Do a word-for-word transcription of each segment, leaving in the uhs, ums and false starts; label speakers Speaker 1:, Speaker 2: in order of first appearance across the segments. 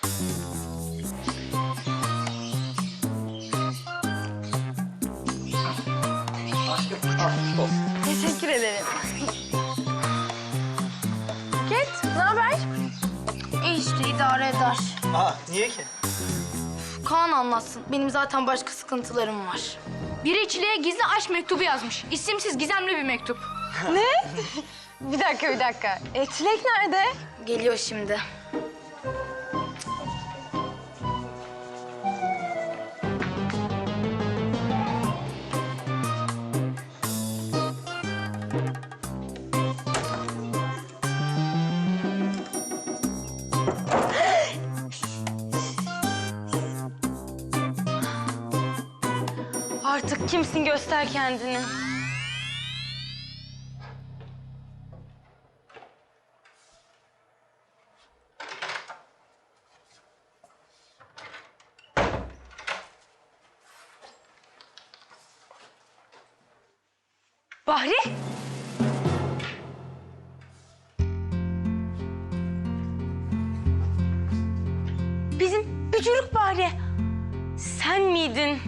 Speaker 1: Teşekkür ederim. Buket, ne haber?
Speaker 2: İyi işte idare eder.
Speaker 3: Aa, niye ki?
Speaker 2: Kaan anlatsın. Benim zaten başka sıkıntılarım var.
Speaker 4: Biri Çile'ye gizli aşk mektubu yazmış. İsimsiz, gizemli bir mektup.
Speaker 1: Ne? Bir dakika, bir dakika. E, Çilek nerede?
Speaker 2: Geliyor şimdi.
Speaker 1: Artık kimsin göster kendini. Bahri? Bizim bücürük Bahri. Sen miydin?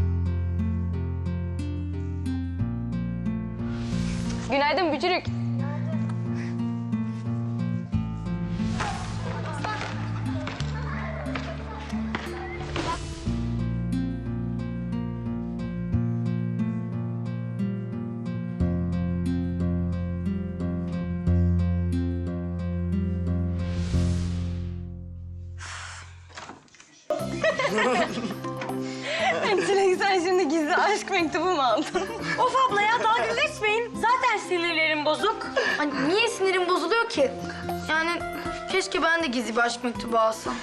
Speaker 1: Günaydın bücürük. Çilek, sen şimdi gizli aşk mektubu mu aldın? Of abla ya, dalga geçmeyin. Zaten sinirlerim bozuk.
Speaker 2: Hani niye sinirim bozuluyor ki? Yani keşke ben de gizli bir aşk mektubu alsam.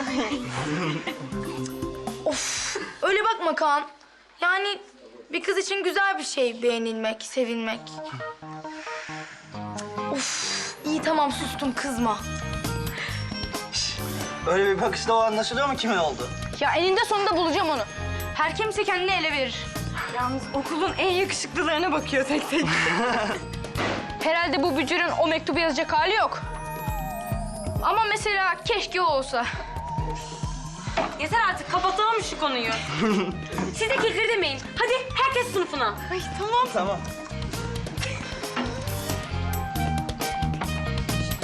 Speaker 2: Of, öyle bakma Kaan. Yani bir kız için güzel bir şey beğenilmek, sevilmek. Of, iyi tamam sustum, kızma.
Speaker 3: Öyle bir bakışla o anlaşılıyor mu kimin oldu?
Speaker 4: Ya eninde sonunda bulacağım onu. Her kimse kendini ele verir.
Speaker 1: Yalnız okulun en yakışıklılarına bakıyor tek tek.
Speaker 4: Herhalde bu bücürün o mektubu yazacak hali yok. Ama mesela keşke o olsa.
Speaker 1: Yeter artık, kapatalım şu konuyu. Siz de kekir demeyin. Hadi herkes sınıfına. Ay tamam.
Speaker 3: Tamam.